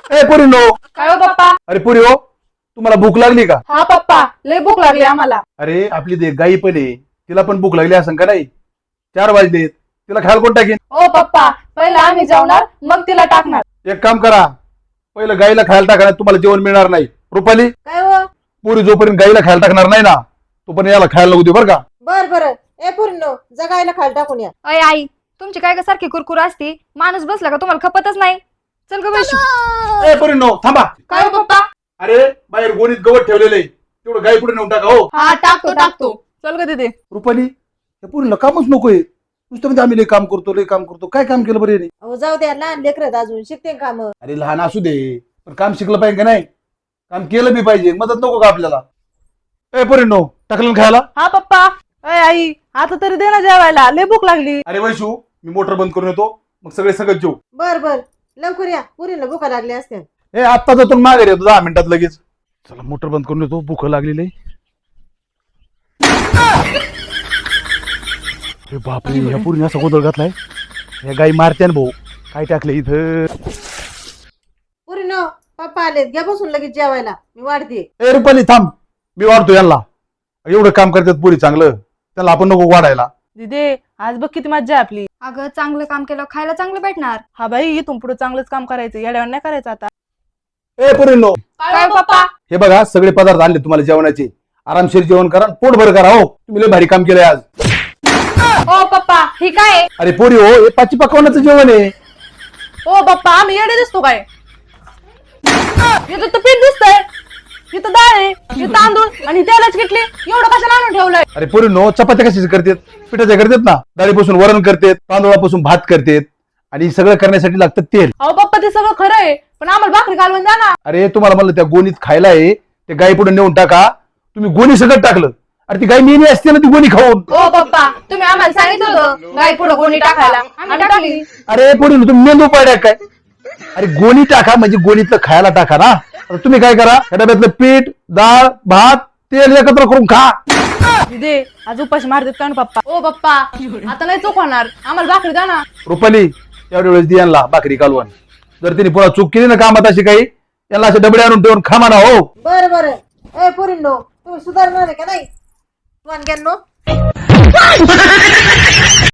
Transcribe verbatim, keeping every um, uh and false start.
ए पोरीनो, काय हो पप्पा? अरे पोरी हो, तुम्हाला भूक लागली का? हा पप्पा, लय भूक लागली आम्हाला. अरे आपली दे गाई पण आहे, तिला पण भूक लागली असं का नाही? चार वाजलेत, तिला खायला कोण टाकेन? ओ पप्पा, पहिला आम्ही जेवणार मग तिला टाकणार. एक काम करा, पहिलं गाईला खायला टाकणार, तुम्हाला जेवण मिळणार नाही. रुपाली, काय हो? पोरी जोपर्यंत गाईला खायला टाकणार नाही ना तोपर्यंत याला खायला नको देऊ बरं का? बर बर ए पूर्ण जगायला खायला टाकून या. अय आई, तुमची काय का सारखी कुरकुर असती, माणूस बसला का तुम्हाला खपतच नाही. चल ग वैशू. ए पोरीनो थांबा. काय हो पप्पा? अरे बाहेर गोणीत गवत ठेवलेलं आहे, तेवढं गाई पुढे नेऊन टाका. हो हा टाकतो टाकतो. चल ग दीदी. रुपाली, या पोरीला कामच नकोय, नुसतं म्हणजे आम्ही लय काम करतो लय काम करतो. काय काम केलं बरं याने? अहो जाऊ द्या, लहान लेकरत अजून शिकते काम. अरे लहान असू दे, पण काम शिकलं पाहिजे का नाही? काम केलं बी पाहिजे, मदत नको का आपल्याला? ए पोरीनो, टाकलं ना खायला? हा पप्पा. अय आई, आता तरी दे ना जेवायला, लय भूक लागली. अरे वैशू, मी मोटर बंद करून येतो, मग सगळे सगळं जेऊ. बर बर लवकर या, पुरीला भुका लागल्या असत्या. ए आत्ता जातो मागे येतो दहा मिनिटात लगेच. चला मोटर बंद करून येतो, भूक लागलेली आहे. अरे बापरे, ह्या पुरीने असा गोंधळ घातलाय. या गाई मारत्यान भाऊ. काय टाकलं इथं? पुरीनो पप्पा आलेत, घ्या बसून लगेच जेवायला, मी वाढते. ए रुपाली थांब, मी वाढतो यांना. एवढं काम करतात पुरी चांगलं, त्याला आपण नको वाढायला. दीदी, आज बघ किती मज्जा आहे आपली. अगं चांगलं काम केलं खायला चांगलं भेटणार. हा बाई, इथून पुढे चांगलंच काम करायचं, येड्यावर नाही करायचं आता. ए पुरीनो, काय पप्पा? हे बघा सगळे पदार्थ आणले तुम्हाला जेवणाचे. आरामशीर जेवण करा, पोट भर करा. हो तुम्ही लय भारी काम केलंय आज. ओ पप्पा, ही काय? अरे पोरी हो, हे पाची पकवानाचं जेवण आहे. ओ पप्पा, आम्ही येडे दिसतो काय? इथं तर पीठ दिसतंय, इथं डाळ आहे, इथं तांदूळ आणि तेलाची किटली. एवढं कशाला आणून ठेवलंय? अरे पोरी नो, चपात्या कशाच करतात? पिठाच्या करतात ना. डाळीपासून वरण करतात, तांदूळापासून भात करतात, आणि सगळं करण्यासाठी लागतं तेल. अहो पप्पा, ते सगळं खरं आहे, पण आम्हाला भाकरी घालवून द्या ना. अरे तुम्हाला म्हणलं त्या गोणीत खायला आहे, ते गाई पुढे नेऊन टाका. तुम्ही गोणी सगळं टाकलं. अरे ती गाई नेहमी असते ना ती गोणी खाऊन. ओ पप्पा, तुम्ही आम्हाला सांगितलं होतं गाय पुढे गोणी टाकायला, आम्ही टाकली. अरे पोरी तुम्ही मेंदू पाड्या काय? अरे गोणी टाका म्हणजे गोणीतलं खायला टाका ना. आता तुम्ही काय करा, या डब्यातलं पीठ, डाळ, भात, तेल एकत्र करून खा. दीदी, आज उपाशी मारतात का ना पप्पा? ओ पप्पा, आता नाही चूक होणार, आम्हाला भाकरी द्या ना. रुपाली, एवढ्या वेळेस दियांना भाकरी कालवण. जर तिने पुन्हा चूक केली ना कामात अशी काही, यांना असे डबडे आणून ठेवून खा म्हणा. हो बर बर ए पुरीनो, तुम्ही सुधारणार आहे का नाही? वानग्यांनो